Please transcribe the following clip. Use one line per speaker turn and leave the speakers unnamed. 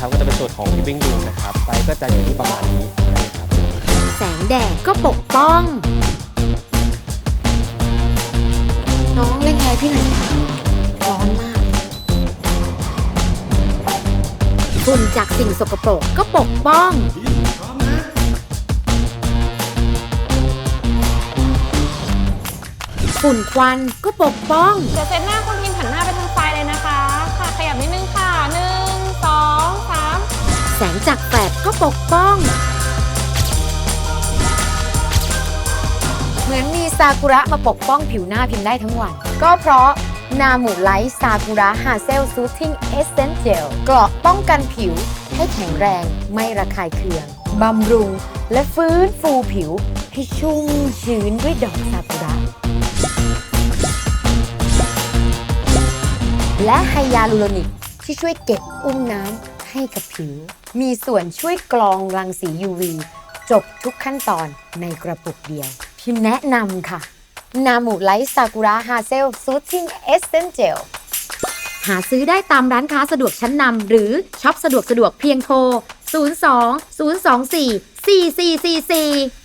นะครับก็จะเป็นสูตรของ Living Room นะครับไซส์ก็จะอยู่ที่ประมาณนี้นะครับ
แสงแดดก็ปกป้อง
น้องเล่นอะไรพี่หน่อยร้อนมาก
ฝุ่นจากสิ่งสกปรกก็ปกป้อง ฝุ่นควันก็ปกป้อง
เดี๋ยวเซตหน้าคุณพิมพ์หันหน้าไปทางซ้ายเลยนะคะ ค่ะขยับนิดนึงค่ะ1 2 3
แสงจากแฟลชก็ปกป้อง
เหมือนมีซากุระมาปกป้องผิวหน้าพิมพ์ได้ทั้งวัน ก็เพราะนามูไลท์ซากุระฮาเซลซูทติ้งเอสเซนเจลเกราะป้องกันผิวให้แข็งแรงไม่ระคายเคืองบำรุงและฟื้นฟูผิวให้ชุ่มชื้นด้วยดอกซากุระ และไฮยาลูโรนิกที่ช่วยเก็บอุ้มน้ำให้กับผิว มีส่วนช่วยกรองรังสี UV จบทุกขั้นตอนในกระปุกเดียว พิมแนะนำค่ะ นามูไลท์ซากุระฮาเซลซูทติ้งเอสเซนเจล
หาซื้อได้ตามร้านค้าสะดวกชั้นนำหรือช็อปสะดวกเพียงโทร 02 024 4444